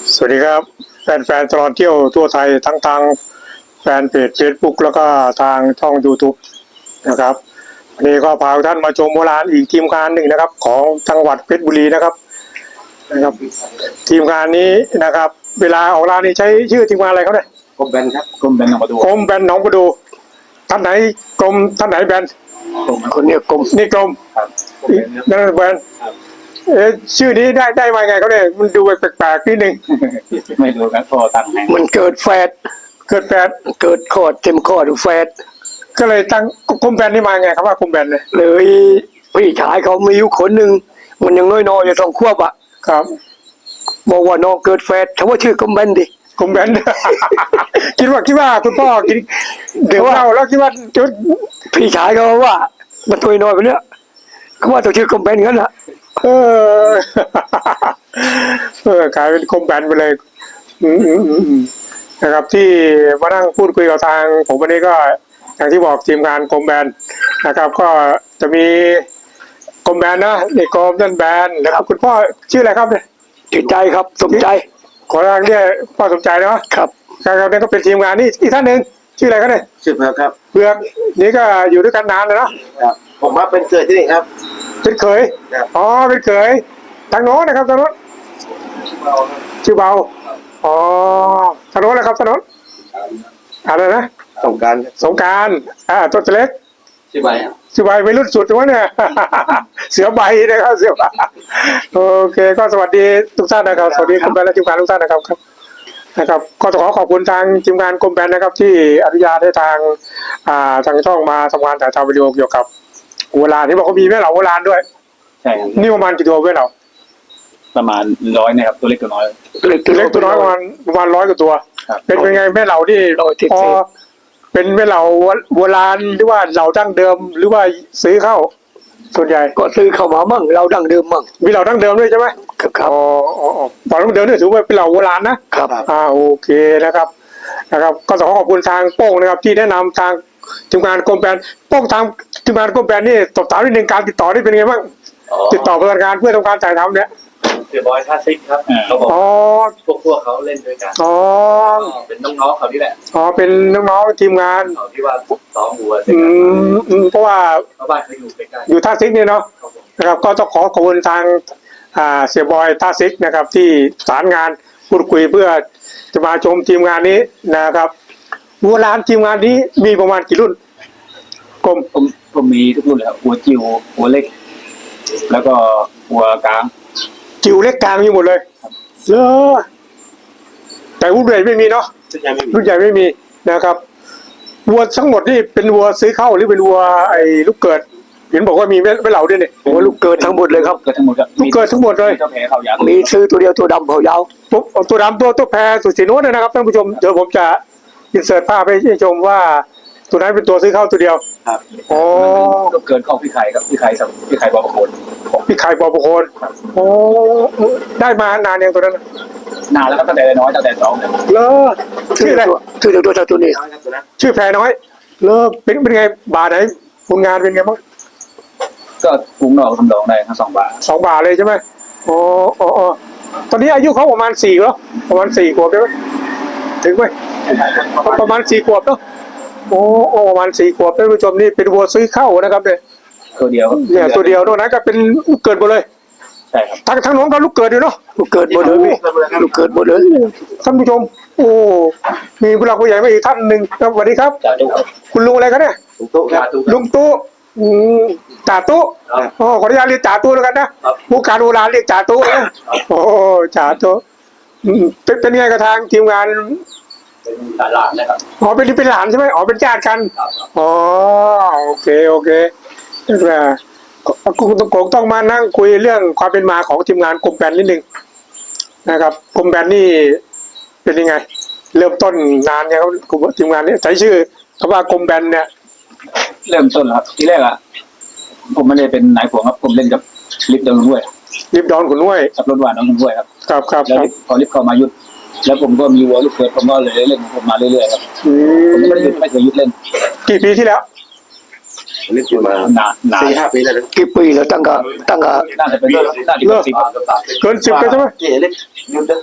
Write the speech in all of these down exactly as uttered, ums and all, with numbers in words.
สวัสดีครับแฟนๆตลอดเที่ยวทั่วไทยทั้งทางแฟนเพจ Facebook แล้วก็ทางช่อง YouTube นะครับวันนี้ก็พาท่านมาชมโบราณอีกทีมงานหนึ่งนะครับของจังหวัดเพชรบุรีนะครับนะครับทีมงานนี้นะครับเวลาออกร้านนี้ใช้ชื่อทีมงานอะไรเขาเนี่ยกรมแบนครับกรมแบนหนองประดูกรมแบนหนองประดูท่านไหนกรมท่านไหนแบนคนนี้กรมนี่กรมนั่นแบนเอ๊ะชื่อนี้ได้ได้มาไงเขาเนี่ยมันดูแปลกๆนิดนึงไม่รู้ครับพอตั้งให้มันเกิดแฟดเกิดแฟดเกิดคอดเต็มคอดแฟดก็เลยตั้งกรมแบนนี่มาไงครับว่ากรมแบนเลยเลยพี่ชายเขามีอยู่คนหนึ่งมันยังน้อยๆอยู่สองขวบอ่ะครับบอกว่าน้องเกิดแฟดเขาว่าชื่อกรมแบนดิกรมแบน คิดว่าคิดว่าคุณพ่อกินเดี๋ยวเราแล้วคิดว่าจุดพี่ชายเขาว่ามันตัวน้อยไปเนี้ยเขาว่าตัวชื่อกรมแบนงั้นแหละเออเออกลายเป็นกรมแบนไปเลยอืมอืมอืมนะครับที่มานั่งพูดคุยกับทางผมวันนี้ก็อย่างที่บอกทีมงานกรมแบนนะครับก็จะมีกรมแบนนะนี่กรมนั่นแบนนะครับคุณพ่อชื่ออะไรครับเนี่ยจิตใจครับสมใจขอทางเรียกพ่อสมใจเนาะครับครับนี่ก็เป็นทีมงานนี่อีกท่านหนึ่งชื่ออะไรครับเนี่ยชื่อเผือกครับเผือกนี่ก็อยู่ด้วยกันนานแล้วเนาะครับผมมาเป็นเกิดที่นี่ครับเป็นเขยอ๋อเป็นเขยทางโน้นนะครับทางโน้นชื่อเบาอ๋อทางโน้นนะครับทางโน้นอะไรนะสงการสงการอ่าตัวเล็กชื่อใบชื่อใบไม่รุ่นสุดวะเนี่ย เสือใบนะครับเสือใบโอเคก็สวัสดีทุกท่านนะครับสวัสดีคุณแบนและทีมงานทุกท่านนะครับครับนะครับก็ขอขอบคุณทางทีมงานกรมแบนนะครับที่อนุญาตให้ทางอ่าทางช่องมาทำงานถ่ายทำวิดีโอเกี่ยวกับโบราณที่บอกว่ามีแม่เหล่าโบราณด้วยใช่นี่ประมาณกี่ตัวแม่เหล่าประมาณร้อยนะครับตัวเล็กตัวน้อยตัวเล็กตัวเล็กตัวน้อยประมาณประมาณร้อยกว่าตัวเป็นเป็นไงแม่เหล่านี่พอเป็นแม่เหล่าโบราณหรือว่าเหล่าดั้งเดิมหรือว่าซื้อเข้าส่วนใหญ่ก็ซื้อเข้ามามั่งเราดั้งเดิมมั่งมีเหล่าดั้งเดิมด้วยใช่ไหมครับครับอ๋ออ๋อเหล่าดั้งเดิมนี่ถือว่าเป็นเหล่าโบราณนะครับอ่าโอเคนะครับนะครับก็ขอขอบคุณทางโป้งนะครับที่แนะนำทางทีมงานกรมแบนโป้งทางทีมงานกรมแบนนี่ตอบถามนิดนึงการติดต่อนี่เป็นไงบ้างติดต่อประสานงานเพื่อทำการถ่ายทำเนี่ยเสือบอยท่าซิกครับเขาบอกพวกพวกเขาเล่นด้วยกันอ๋อเป็นน้องๆเขานี่แหละอ๋อเป็นน้องๆทีมงานเขาที่ว่าซ้อมวัวอืมอืมเพราะว่าบ้านเขาอยู่ใกล้ๆอยู่ท่าซิกนี่เนาะนะครับก็ต้องขอขอบคุณทางอ่าเสียบอยท่าซิกนะครับที่สารงานพูดคุยเพื่อจะมาชมทีมงานนี้นะครับวัวร้านทีมงานนี้มีประมาณกี่รุ่นกรมผมผมมีทุกรุ่นเลยครับหัวจิ๋วหัวเล็กแล้วก็หัวกลางจิ๋วเล็กกลางมีหมดเลยเลอแต่รุ่นใหญ่ไม่มีเนาะรุ่นใหญ่ไม่มีนะครับวัวทั้งหมดนี่เป็นวัวซื้อเข้าหรือเป็นวัวไอ้ลูกเกิดเห็นบอกว่ามีไม่เหล่าด้วยเนี่ยวัวลูกเกิดทั้งหมดเลยครับเกิดทั้งหมดครับลูกเกิดทั้งหมดเลยเจ้าแพรเขายาวมีซื้อตัวเดียวตัวดำเขายาวตัวดำตัวตัวแพรสุดสีโน้ตนะครับท่านผู้ชมเดี๋ยวผมจะอินเสิร์ตภาพให้ชมว่าตัวนั้นเป็นตัวซื้อเข้าตัวเดียวครับอ๋อลูกเกิดของพี่ไข่ครับพี่ไข่สับพี่ไข่บอประโคนพี่ไข่บอประโคนโอ้ได้มานานยังตัวนั้นนานแล้วก็ตั้งแต่น้อยตั้งแต่สองเลยเลิกชื่ออะไรชื่อตัวตัวตัวนี้ชื่อแพรน้อยเลิกเป็นเป็นไงบาทไหนผลงานเป็นไงบ้างก็ปรุงดอกทำดอกได้ทั้งสองบาทสองบาทเลยใช่ไหมอ๋ออ๋อตอนนี้อายุเขาประมาณสี่แล้วประมาณสี่ขวบใช่ไหมถึงไหมประมาณสี่ขวบเนาะโอ้โอ้ประมาณสี่ขวบท่านผู้ชมนี่เป็นวัวซื้อเข้านะครับเนี่ยตัวเดียวเนี่ยตัวเดียวตรงนั้นก็เป็นลูกเกิดหมดเลยใช่ครับทั้งทั้งน้องก็ลูกเกิดอยู่เนาะลูกเกิดหมดเลยลูกเกิดหมดเลยท่านผู้ชมโอ้มีผู้หลักผู้ใหญ่มาอีกท่านหนึ่งครับสวัสดีครับคุณลุงอะไรกันเนี่ยลุงตุ๊ครับลุงตุ๊จ่าตุ๊อ๋อขออนุญาตเรียกจ่าตุ๊แล้วกันนะผู้การโบราณเรียกจ่าตุ๊นะโอ้จ่าตุ๊เป็นเป็นไงกับทางทีมงานเป็นหลานนะครับอ๋อเป็นเป็นหลานใช่ไหมอ๋อเป็นญาติกันอ๋อโอเคโอเคนะคุณตงโกงต้องมานั่งคุยเรื่องความเป็นมาของทีมงานกรมแบนนิดนึงนะครับกรมแบนนี่เป็นยังไงเริ่มต้นนานยังครับทีมงานนี้ใช้ชื่อคำว่ากรมแบนเนี่ยเริ่มต้นครับที่แรกอ่ะผมไม่ได้เป็นนายผัวครับผมเล่นกับลิฟต์ดอนด้วยลิฟต์ดอนขุนห้วยขับรถหวานน้องขุนห้วยครับครับครับแล้วพอลิฟต์เข้ามายุดแล้วผมก็มีวัวลูกเกิดผมก็เลยเล่นผมมาเรื่อยๆครับผมไม่ได้หยุดไม่เคยหยุดเล่นกี่ปีที่แล้วเล่นอยู่มานานสี่ห้าปีแล้วกี่ปีแล้วตั้งก็ตั้งก็น่าจะเป็นน่าจะเป็นสิบเกินสิบไปใช่ไหมเกี่ยเล็กหยุดเลย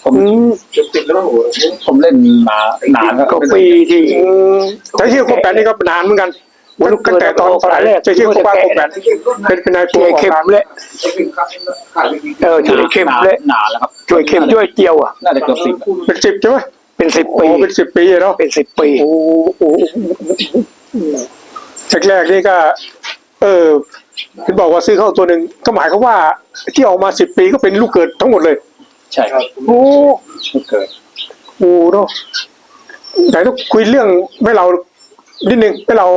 ผมอืมเกือบติดแล้วมั้งโอ้โหผมเล่นมานานครับก็ปีที่อืมแต่ชื่อคมแปนนี่ก็นานเหมือนกันตั้งแต่ตอนตอนไหนจะชื่อคมว่าคมแปนเป็นเป็นนายตัวช่วยออกเข้มมาเลยเออช่วยเข้มเลยนานแล้วครับช่วยเข้มช่วยเจียวอ่ะน่าจะเกือบสิบเป็นสิบใช่ไหมเป็นสิบโอ้ปีเป็นสิบปีเนาะเป็นสิบปีโอ้โหแรกๆนี่ก็ เออคุณบอกว่าซื้อเข้าตัวหนึ่งก็หมายความว่าที่ออกมาสิบปีก็เป็นลูกเกิดทั้งหมดเลยใช่ครับโอ้ไม่เกิดโหเนาะไหนต้องคุยเรื่องให้เรานิดนึงให้เรา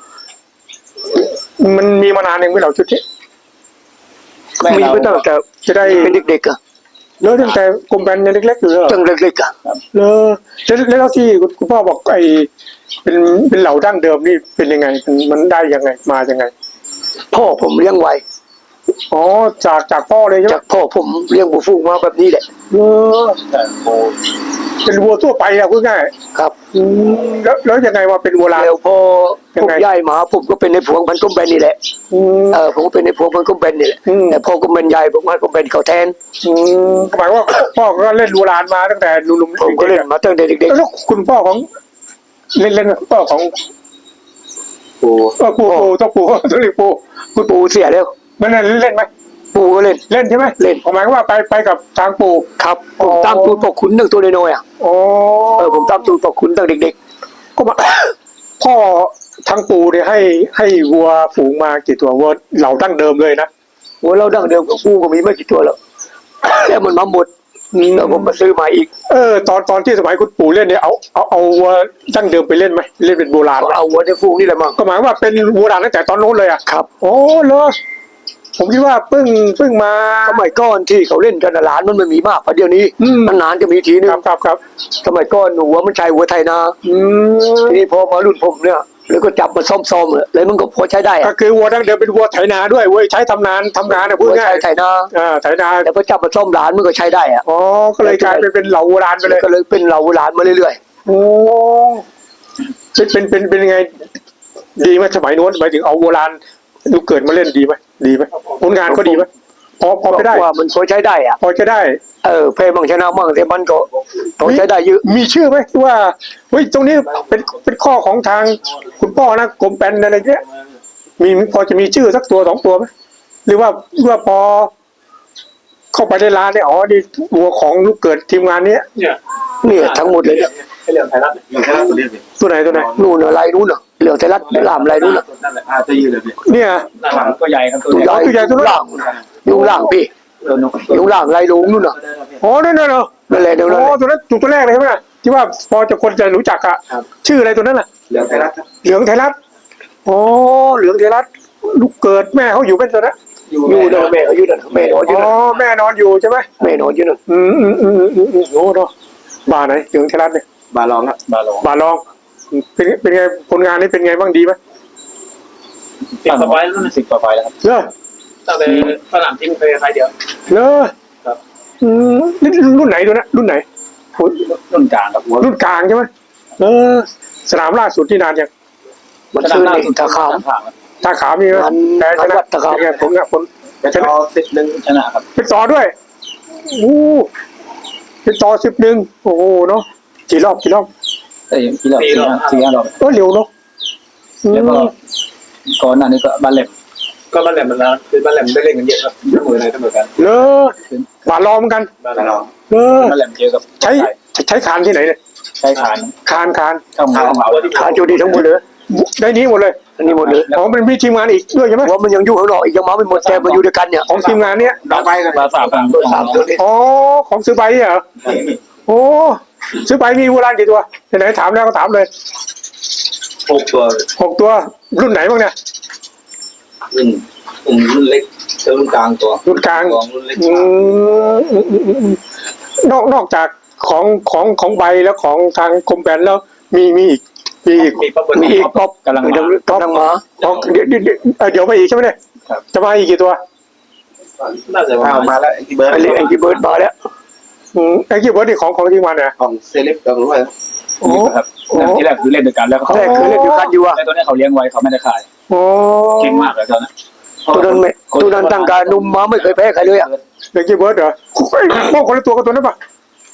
มันมีมานานเองไม่เราชุดนี้แม่มีเราไม่ตั้งแต่จะได้เป็นเด็กๆอ่ะเลิกตั้งแต่กรมแบนยังเล็กๆอยู่เลยเหรอตั้งเล็กๆอ่ะเลอแล้วแล้วที่คุณคุณพ่อบอกไอ้เป็นเป็นเหล่าดั้งเดิมนี่เป็นยังไง มันมันได้ยังไงมายังไงพ่อผมเลี้ยงไว้อ๋อจากจากพ่อเลยใช่ไหมจากพ่อผมเลี้ยงบุฟูงมาแบบนี้แหละเลอแต่โบเป็นวัวทั่วไปอะพูดง่ายครับอืมแล้วแล้วยังไงว่าเป็นวัวลานแล้วพอยัผงมไงย้ายมาผมก็เป็นในพวงพันกุ้มแบนนี่แหละอืมเออผมก็เป็นในพวงพันกุ้มแบนนี่แหละอืมแต่พ่อกุ้มแบนใหญ่ผมให้กุ้มแบนเขาแทนอืมหมายว่าพ่อก็เล่นวัวลานมาตั้งแต่หนุ่มๆผมก็เล่นมาตั้งแต่เด็กแล้วคุณพ่อของ เล่นเล่นพ่อของโบเออปู่ปู่ต้องปู่ต้องเรียกปู่ๆคุณปู่เสียแล้วมันนั่นเล่นไหมปู่ก็เล่นเล่นใช่ไหมเล่นหมายความว่าไปไปกับทางปู่ครับผมอ๋อตามตูดปกขุนตั้งตัวน้อยๆอ่ะอ๋อเออผมตามตูดปกขุนตั้งเด็กก็มา พ่อทางปู่เนี่ยให้ให้วัวฝูงมากี่ตัววัวเหล่าดั้งเดิมเลยนะๆวัวเราดั้งเดิมกับปู่ก็มีไม่กี่ตัวแล้ว แล้วมันมาหมดแล้วผมมาซื้อมาอีกเออตอนตอนที่สมัยคุณปู่เล่นเนี่ยเอาเอาเอาวัวดั้งเดิมไปเล่นไหมเล่นเป็นโบราณก็ไหมเอาวัวในฟูงนี่แหละมั้งก็หมายว่าเป็นโบราณตั้งแต่ตอนโน้นเลยอ่ะครับโอ้เหรอผมคิดว่าเพิ่งเพิ่งมาสมัยก่อนที่เขาเล่นกันน่ะหลานมันไม่มีมากเพราะเดี๋ยวนี้อืมนานๆจะมีทีนึคงรับครับครับสมัยก่อนหนูว่ามันใช้วัวไทยนาอืมทีนี้พอมารุ่นผมเนี่ยแล้วก็จับมาซ่อมๆเลยแล้วมันก็พอใช้ได้ก็อะคือวัวดั้งเดิมเป็นวัวไถนาด้วยเว้ยใช้ทำนานทำงานนะพูดวัวง่ายใช้ไทยนาอ่าไถนาแต่พอจับมาซ่อมหลานมันก็ใช้ได้อะอ๋อก็เลยกลายเป็นเป็นเหล่าโบราณไปเลยก็เลยเป็นเราหลานมาเรื่อยโอ้เป็นเป็นเป็นเป็นยังไง ดีไหมสมัยโน้นหมายถึงเอาโบราณลูกเกิดมาเล่นดีไหมดีไหมผลงานก็ดีไหมพอพๆอไปได้ว่ามันพอใช้ได้อะพอจะได้เออเพลบางชนะมั่งแต่มันก็พอใช้ได้เยอะมีชื่อไหมที่ว่าเฮ้ยตรงนี้เป็นเป็นข้อของทางคุณพ่อนะกรมแปนอะไรเงี้ยมีพอจะมีชื่อสักตัวสองตัวไหมหรือว่าหรือว่าพอ เข้าไปในร้านเนี่ยอ๋อนี่วัวของลูกเกิดทีมงานเนี้ยเนี่ยเนี่ยทั้งหมดเลยเนี่ยให้เรื่องไทยรัฐเรื่องไทยรัฐตัวนี้สิตัวไหนตัวไหนนู่นอะไรนู่นน่ะเหลืองไทยรัฐลามอะไรนู่นน่ะนั่นแหละอาจะยืนเลยพี่เนี่ยด้านหลังก็ใหญ่ครับตัวตัวใหใหญ่ญ่ตัวใหญ่ตัวนั้นล่างอยู่ล่างพี่ตัวนกอยู่ล่างไรลุงนู่นน่ะอ๋อนั่นน่ะเหรอนั่นแหละเดี๋ยวอ๋นั้นอตัวนั้นจุดตัวแรกเลยใช่ไหมที่ว่าพอจะคนจะรู้จักอะชื่ออะไรตัวนั้นน่ะเรื่องไทยรัฐครับเหลืองไทยรัฐอ๋อเหลืองไทยรัฐลูกเกิดแม่เขาอยู่เป็นตัวนั้นอยู่นั่นแม่ก็อยู่นั่นแม่นอนอยู่อ๋อนั่นแม่นอนอยู่ใช่ไหมแม่นอนอยู่นั่นอืมอืมอืมอืมอืมอืมโอ้เนาะบ้านไหนเหลืองไทยรัฐเนี่ยบาลองครับบาลองบ้านรองเป็นเป็นไงผลงานนี่เป็นไงบ้างดีไหมสิบกว่าใบแล้วนะสิบกว่าใบแล้วครับเลอตั้งแต่สนามจริงไปใครเดียวเลอครับอืมนี่รุ่นไหนตัวนั้นรุ่นไหนรุ่นกลางครับหัวรุ่นกลางใช่ไหมเออสนามล่าสุดที่นานยังมันซื้อในตะขามทางครับท่าขาวมีไหมงานแต่ชงานนะวัดตะขาวเป็นไงผมเนี่ยผมเป็นต่อสิบหนึ่งชนะครับเป็นต่อด้วยอู้เป็นต่อสิบหนึ่งโอ้โหเนาะกี่รอบกี่รอบเอ้ยที่เราสี่ห้าสี่ห้ารอบเออเร็วเนาะอืมแล้วก็ก่อนหน้านี้ก็บาเล็บก็บ้านแหลมมันนะคือบ้านแหลมได้เล่นกันเยอะครับเสมอในเสมอกันเลอบาลองเหมือนกันบ้านเราเลอบาเล็บเจอกับใช้ใช้คานที่ไหนเนี่ยใช้ขานคานคานเข้ามาเข้ามาขาจูดีทั้งหมดเลยได้นี้หมดเลยอันนี้หมดเลยอ๋อมันมีทีมงานอีกด้วยใช่ไหมว่ามันยังอยู่ข้างนอกอีกยังมาไม่หมดแต่มาอยู่ด้วยกันเนี่ยของทีมงานเนี้ยบาไปกันบาสามกลางสามตัวนี้อ๋อของซื้อใบเหรอโอ้ซื้อใบมีโบราณกี่ตัวไหนๆถามแล้วก็ถามเลยหกตัวหกตัวรุ่นไหนบ้างเนี่ยรุ่นกลุ่มรุ่นเล็กเจอรุ่นกลางตัวรุ่นกลางของรุ่นเล็กอืมอืมอืมอืมอืมนอกนอกจากของของของใบแล้วของทางกรมแบนแล้วมีมีอีกมีอีกมีปั๊บบนมีอีกป๊อปกำลังกำลังมากำลังมาอ๋อเดี๋ยวเดี๋ยวเดี๋ยวเอ่อเดี๋ยวมาอีกใช่ไหมเนี่ยครับจะมาอีกกี่ตัวน่าจะมาแล้วที่เบิร์ดไอ้เล็กไอ้ที่เบิร์ดมาแล้วอืมไอ้กี่เบิร์ดนี่ของของทีมงานเนี่ยของเซเลบเรารู้ไหมโอ้ครับที่แรกคือเล่นด้วยกันแล้วเขาแรกคือเล่นอยู่กันอยู่อะแต่ตัวนี้เขาเลี้ยงไว้เขาไม่ได้ขายโอ้เก่งมากเลยตอนนั้นตัวนั้นไม่ตัวนั้นตั้งการนุ่มมาไม่เคยแพ้ใครเลยอะไอ้กี่เบิร์ดเหรอเฮ้ยพวกคนละตัวกับตัวนั้นปะ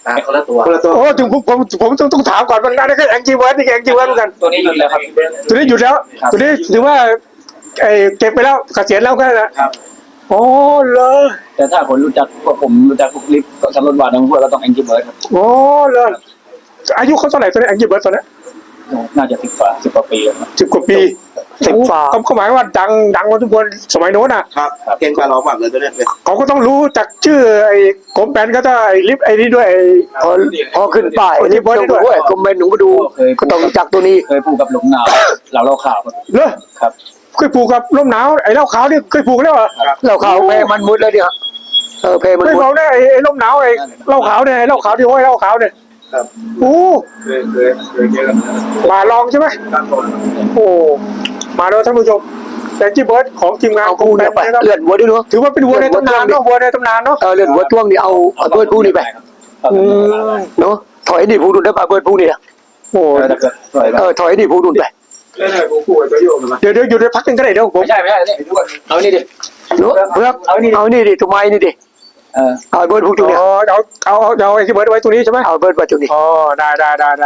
แต่คนละตัวคนละตัวโอ้ถึงผมผมผมต้องต้องถามก่อนมันนั่นก็แองจีเวิร์ดนี่แองจีเวิร์ดเหมือนกันตัวนี้หยุดแล้วครับตัวนี้หยุดแล้วครับตัวนี้ถือว่าไอ้เก็บไปแล้วเกษียณแล้วก็นะครับ โอ้เลยแต่ถ้าคนรู้จักพวกผมรู้จักพวกลิฟต์ก็สำรวจวาดทั้งพวกเราต้องแองกี้เบิร์ดครับโอ้เลยอายุเขาเท่าไหร่ตัวนี้แองจีเวิร์ดตัวนี้น่าจะสิบกว่าสิบกว่าปีแล้วครับสิบกว่าปีสิบฝาเขาเขาหมายว่าดังดังมาทุกคนสมัยโน้นอ่ะครับเก่งกว่าเราแบบเลยตัวเนี้ยเขาก็ต้องรู้จักชื่อไอ้กรมแปนก็จะไอ้ลิฟต์ไอ้นี่ด้วยไอ้พอพอขึ้นป้ายนี่บอลด้วยคอมเมนต์หนูก็ดูก็ต้องรู้จักตัวนี้เคยพูดกับหลงหนาวเราเล่าข่าวครับเนอะครับเคยผูกกับร่มหนาวไอ้เหล้าขาวนี่เคยผูกแล้วเหรอเราเข้าเพมันมุดแล้วเนี่ยเออเพมันไม่มุดเมาเนี่ยไอ้ไอ้ร่มหนาวไอ้เหล้าขาวเนี่ยไอ้เหล้าขาวที่ห้อยเหล้าขาวเนี่ยโอ้เคยเคยเคยเจอกันมาลองใช่ไหมโอ้มาแล้วท่านผู้ชมแต่จีเบิร์ดของทีมงานเอากรกูมแปเนี่ยนไปนะครับเลื่อนหัวด้วยเนาะถือว่าเป็นวัวในตำนานเนาะวัวในตำนานเนาะเออเลื่อนหัวจ้วงนี่เอาเอาเบิร์ดผู้นี่ไปอืมเนาะถอยนี่ผู้ดุนได้ป่ะเบิร์ดผู้นี่นะโอ้ถ้าเกิดปล่อยเออถอยนี่ผู้ดุนไปเดี๋ยวเดี๋ยวหยุดไปพักหนึงก็ได้เดี๋ยวผมไม่ใช่ไม่ใช่นี่เอานี่ดิเนาะเพื่อเอานี่เอานี่ดิตัวไม้นี่ดิเออเอาเบิร์ดผู้ตัวอ๋เนี่ยอเอาเอาเอาเอาไอ้จีเบิร์ดไว้ตรงนี้ใช่ไหมเอาเบิร์ดมาตัวนี้อ๋อได้ได้ได้ได้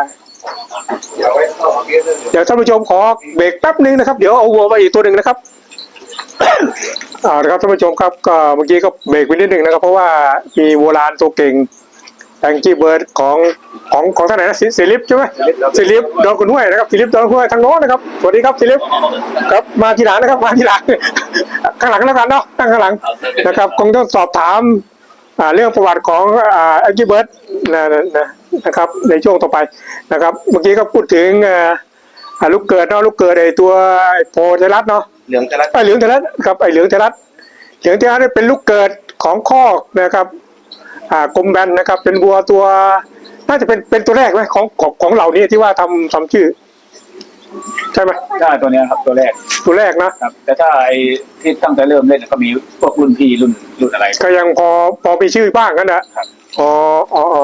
เดี๋ยวท่านผู้ชมขอเบรกแป๊บนึงนะครับเดี๋ยวเอาวัวมาอีกตัวหนึ่งนะครับ อ่านะครับท่านผู้ชมครับก็เมื่อกี้ก็เบรกไปนิดหนึ่งนะครับ เพราะว่ามีวัวลานตัวเก่งแองกี้เบิร์ดของของของท่านไหนนะซิลิปใช่ไหมซิลิปดอนกุนห้วยนะครับซิลิปดอนกุนห้วยทางโน้นนะครับสวัสดีครับซิลิปครับมาทีหลังนะครับมาทีหลัง ข้างหลังแล้วกันเนาะนั่งข้างหลังนะครับคงต้องสอบถามอ่าเรื่องประวัติของอ่าแองกี้เบิร์ดนะนะนะนะครับในช่วงต่อไปนะครับ เมื่อกี้ก็พูดถึงอ่าอ่าลูกเกิดเนาะลูกเกิดไอ้ตัวไอ้โพไทรัสเนาะเหลืองจะรัดไอ้เหลืองเทรัสครับไอ้เหลืองเทรัสเหลืองเทรัสนี่เป็นลูกเกิดของคอกนะครับอ่ากรมแบนนะครับ เป็นวัวตัวน่าจะเป็นเป็นตัวแรกไหมของของของเหล่านี้ที่ว่าทำทำชื่อใช่ไหมใช่ตัวเนี้ยครับตัวแรกตัวแรกนะครับแต่ถ้าไอ้ที่ตั้งแต่เริ่มเล่นก็มีพวกรุ่นพี่รุ่นรุ่นอะไรก็ยังพอพอมีชื่อบ้างกันนะครับ อ๋ออ๋ออ๋อ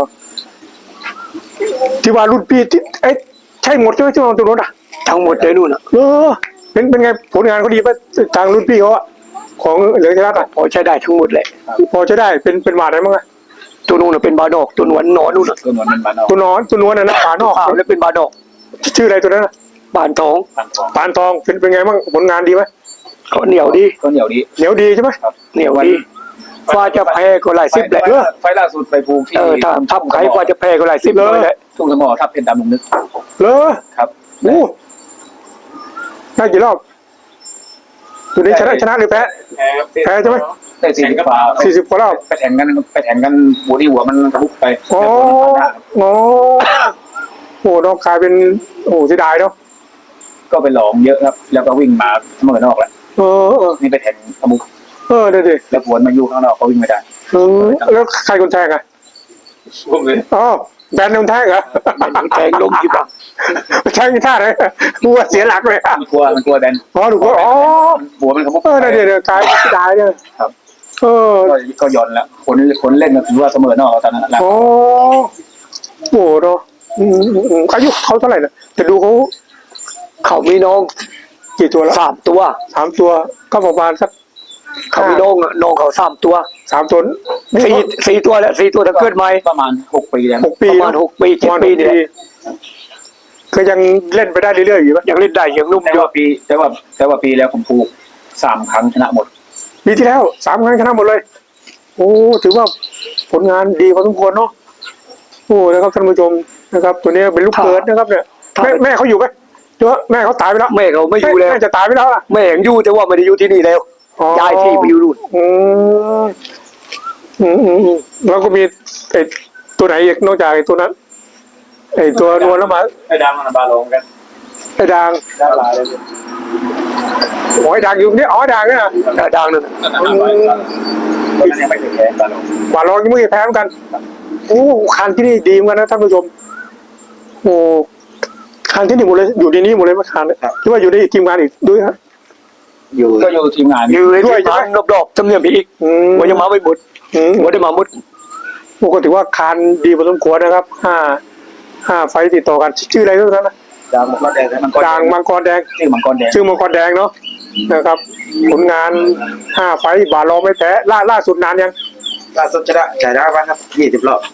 ที่ว่ารุ่นพี่ที่เอ้ยใช่หมดใช่ไหมที่ว่าตัวนู้นอ่ะทั้งหมดเลยนู่นอ่ะเออเป็นเป็นไงผลงานเขาดีป่ะทางรุ่นพี่เขาอะของเหลืองเทรัสอ่ะพอใช้ได้ทั้งหมดเลยพอจะได้เป็นเป็นหวาดอะไรบ้างอะตัวนู่นเป็นบาดอกตัวหนวนหนอนนู่นตัวหนวลมันบานออกตัวนอนตัวนวลน่ะนะปานอกข้าวแล้วเป็นบาดอกชื่ออะไรตัวนั้นน่ะบานทองบานทองปานทองเป็นเป็นไงบ้างผลงานดีไหมเขาเหนียวดีก็เหนียวดีเหนียวดีใช่ไหมเหนียวดีฟ้าจะแพ้ก็หลายสิบแหละไฟไฟล่าสุดไปภูที่เออถ้าทับไข่ฟ้าจะแพ้ก็หลายสิบเลยแหละทุ่งสมอทับเพชรดำลุงนึกเลอครับโอ้ได้กี่รอบตัวนี้ชนะชนะหรือแพ้แพ้ใช่ไหมได้สี่สิบกว่าสี่สิบกว่ารอบไปแข่งกันไปแข่งกันหัวที่หัวมันทะลุไปอ๋ออ๋อโอ้น้องกลายเป็นโอ้เสียดายเนาะก็ไปหลองเยอะครับ แล้วก็วิ่งมาเสมอนอกแล้วเออเออนี่ไปแข่งทะลุเออเดี๋ยวดิแล้วผวนมาอยู่ข้างนอกก็วิ่งไม่ได้เออแล้วใครคนแทงอ่ะอ๋อแบนคนแทงเหรอแทงลงที่บ้านแทงท่าไหนกูว่าเสียหลักเลยอ่ะมันกลัวมันกลัวแดนอ๋อถูกว่าอ๋อหัวมันขมุกเออเดี๋ยวเดี๋ยวกลายเป็นเสียดายเนี่ยครับเออก็ก็ย่อนแล้วคนคนเล่นก็ถือว่าเสมอนอกตอนนั้นแหละโอ้โหเนาะอืมอืมอืมอายุเขาเท่าไหร่นะแต่ดูเขาเขามีน้องกี่ตัวแล้วสามตัวสามตัวก็ประมาณสักเขามีน้องน้องเขาสามตัวสามตัวสี่สี่ตัวแหละสี่ตัวถ้าเกิดใหม่ประมาณหกปีแล้วหกปีประมาณหกปีปเจ็ดระมาณปีหกนี่แหละก็ยังเล่นไปได้เรื่อยๆอยู่ปะยังเล่นได้ยังนุ่มแต่อยู่ว่าปีแต่ว่าแต่ว่าปีแล้วผมถูกสามครั้งชนะหมดปีที่แล้วสามครั้งชนะหมดเลย โอ้ถือว่าผลงานดีพอสมควรเนาะโอ้นะครับท่านผู้ชมนะครับ ตัวนี้เป็นลูกเกิดนะครับเนี่ยแม่แม่เขาอยู่ไหมเจ้าแม่เขาตายไปแล้วแม่เขาไม่อยู่แล้วแม่จะตายไปแล้วล่ะแม่ยังอยู่แต่ว่าไม่ได้อยู่ที่นี่แล้วอ๋อย้ายที่ไปอยู่นู่นอืมอืมอืมอืมแล้วก็มีไอ้ตัวไหนอีกนอกจากไอ้ตัวนั้นไอ้ตัวนวลแล้วมาไอ้ดังมันบาลงกันไอ้ด่างดาราเลยโอ้ยด่างอยู่นี่อ๋อด่างเนี่ยเออดังนั่นตอนนั้นยังไม่ถึงแพ้บาลงหวานรองยังไม่เคยแพ้เหมือนกันโอ้คันที่นี่ดีเหมือนกันนะท่านผู้ชมโอ้คันที่นี่หมดเลยอยู่ในนี้หมดเลยมาคันเนี่ยหรือว่าอยู่ในทีมงานอีกด้วยฮะอยู่ก็อยู่ทีมงานอยู่ในที่บ้านรอบๆจำเนียมอีกอืมว่ายังมาไม่หมดอืมว่าได้มาหมดโอ้ก็ถือว่าคันดีพอสมควรนะครับห้าห้าไฟต์ติดต่อกันชื่ออะไรทุกท่านนะดังมังกรแดงมังกรด่างมังกรแดงชื่อมังกรแดงชื่อมังกรแดงเนาะนะครับ ผลงานห้าไฟต์บาลองไม่แพ้ล่าล่าสุดนานยังล่าสุดชนะชนะบ้างครับยี่สิบรอบ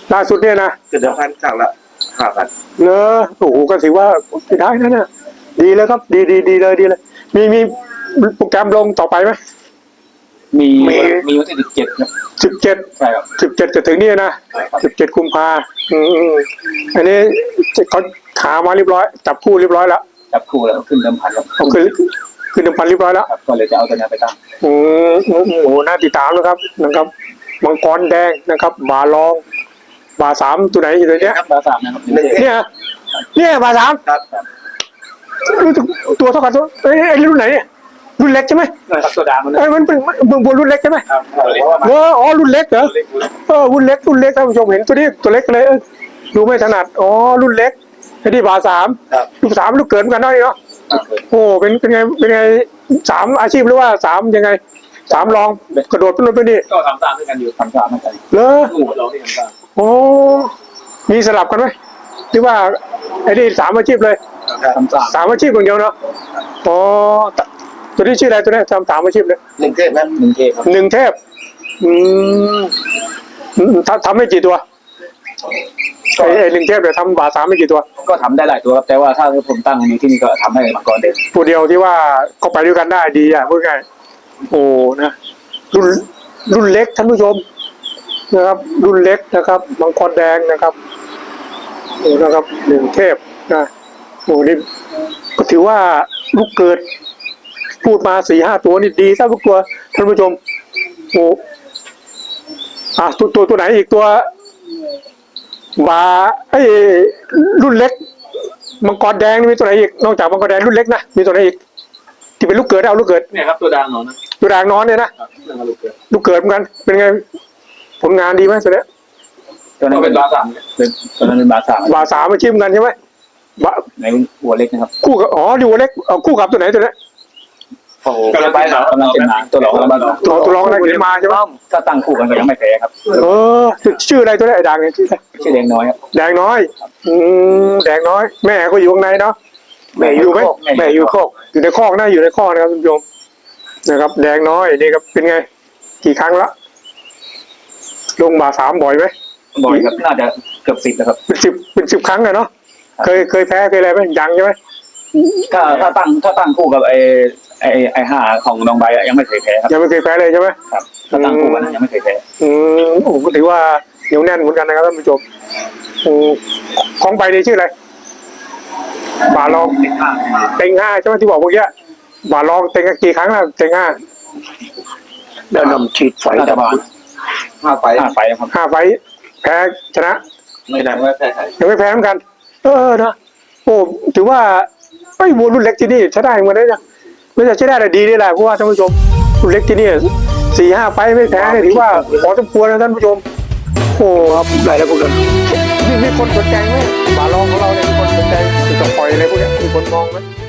ล่าสุดเนี่ยนะเกิดเดือนพันครั้งละห้าพันเนอะโอ้โหก็ถือว่าไม่ได้นะเนี่ยดีแล้วครับ ดีดีดีเลยดีเลย มีมีโปรแกรมลงต่อไปไหมมีมีวันที่สิบเจ็ดครับสิบเจ็ดใช่ครับสิบเจ็ดจะถึงนี่นะสิบเจ็ดกุมภาอืมอืมอันนี้เขาขามาเรียบร้อย จับคู่เรียบร้อยแล้วจับคู่แล้วก็ขึ้นเดิมพันครับเขาขึ้นขึ้นน้ำพันเรียบร้อยแล้วครับก็เลยจะเอาตัวนี้ไปตั้งอืมอืมอืมโอ้โหน่าติดตามนะครับนะครับมังกรแดงนะครับบาลอง บาสามตัวไหนอยู่ตัวเนี้ยครับบาสามนะครับเนี่ยเนี่ยบาสามครับรู้สึกตัวเท่ากันตัวเอ้ยไอ้รุ่นไหนเนี่ยรุ่นเล็กใช่ไหมครับตัวดำมันไอ้ยมันเป็นมันบนรุ่นเล็กใช่ไหมครับเอออ๋อรุ่นเล็กเหรอเออรุ่นเล็กรุ่นเล็กท่านผู้ชมเห็นตัวนี้ตัวเล็กเลยเออดูไม่ถนัดอ๋อรุ่นเล็กไอ้ที่บาสามครับลูกสามลูกเกิดเหมือนกันเนาะนี่เนาะโอ้เป็นเป็นไงเป็นไงสามอาชีพหรือว่าสามยังไงสามรองกระโดดขึ้นรถไปนี่ก็ทำตามด้วยกันอยู่ทำตามด้วยกันเหรอคู่เราที่ทำตามโอ้มีสลับกันไหมหรือว่าไอ้นี่สามอาชีพเลยทำตามสามอาชีพอย่างเดียวเนาะอ๋อตัวนี้ชื่ออะไรตัวนี้ทำสามอาชีพเลยหนึ่งเทพครับหนึ่งเทพครับหนึ่งเทพอืมอืมทำทำไม่กี่ตัวไอ้ไอ้หนึ่งเทพเนี่ยทำบาทสามไม่กี่ตัวก็ทำได้หลายตัวครับแต่ว่าถ้าผมตั้งนี้ที่นี่ก็ทำให้มังกรเด่นตัวเดียวที่ว่าก็ไปด้วยกันได้ดีอ่ะพูดง่ายโอ้นะรุ่นรุ่นเล็กท่านผู้ชมนะครับ รุ่นเล็กนะครับมังกรแดงนะครับโอ้นะครับหนึ่งเทพนะโอ้นี่ก็ถือว่าลูกเกิด พูดมาสี่ห้าตัวนี่ดีซะทุกตัวท่านผู้ชมโอ้อ่ะตัวตัวตัวไหนอีกตัวบาไอ้ยรุ่นเล็กมังกรแดงนี่มีตัวไหนอีกนอกจากมังกรแดงรุ่นเล็กนะมีตัวไหนอีกที่เป็นลูกเกิดเอาลูกเกิดเนี่ยครับตัวดังหนอนนะตัวด่างนอนเนี่ยนะครับเรื่องลูกเกิดลูกเกิดเหมือนกันเป็นไงผลงานดีไหมตัวเนี้ยตัวนั้นเป็นบาสามเป็นตัวนั้นเป็นบาสามบาสามมาชิมกันใช่ไหมบาในหัวเล็กนะครับคู่กับอ๋อดิวเล็กเอาคู่กับตัวไหนตัวเนี้ยโอ้โหกำลังเป็นหนากำลังเป็นหนาตัวหลอกกำลังเป็นหนาตัวตัวรองอะไรขึ้นมาใช่ไหมถ้าตั้งคู่กันก็ยังไม่แพ้ครับเออชื่ออะไรตัวเนี้ยไอ้ด่างเนี่ยชื่ออะไรชื่อแดงน้อยครับแดงน้อยอืมแดงน้อย แม่ก็อยู่ข้างในเนาะแม่อยู่ไหมแม่อยู่โคกอยู่ในคอกนะอยู่ในคอกนะครับคุณผู้ชมนะครับ แดงน้อยนี่ครับเป็นไง กี่ครั้งละลงมาสามบ่อยไหมบ่อยครับน่าจะเกือบสิบนะครับเป็นสิบเป็นสิบครั้งอะเนาะเคยเคยแพ้เคยอะไรไหมยังใช่ไหมถ้าถ้าตั้งถ้าตั้งคู่กับไอ้ไอ้ไอ้ห้าของน้องใบอะยังไม่เคยแพ้ครับยังไม่เคยแพ้เลยใช่ไหมครับถ้าตั้งคู่กันนะยังไม่เคยแพ้อืมโอ้ก็ถือว่าเหนียวแน่นเหมือนกันนะครับท่านผู้ชมอืมของไปนี่ชื่ออะไรบาลองติดข้างมาเต็งห้าใช่ไหมที่บอกเมื่อกี้บาลองเต็งกี่ครั้งแล้วเต็งห้าแล้วนำฉีดไฟน่าจะดับประมาณห้าไฟห้าไฟครับห้าไฟท์แพ้ชนะไม่ได้ไม่แพ้ใครยังไม่แพ้เหมือนกัน เออนะโอ้ถือว่าไอ้วัวรุ่นเล็กที่นี่ใช้ได้เหมือนกันนะไม่ใช่ใช้ได้แต่ดีนี่แหละเพราะว่าท่านผู้ชมรุ่นเล็กที่นี่สี่ห้าไฟท์ไม่แพ้เนี่ยถือว่าพอสมควรนะท่านผู้ชมโอ้ครับได้แล้วพวกนั้นมีมีคนสนใจไหมบาลองของเราเนี่ยมีคนสนใจติดต่อปล่อยอะไรพวกเนี้ยมีคนมองไหม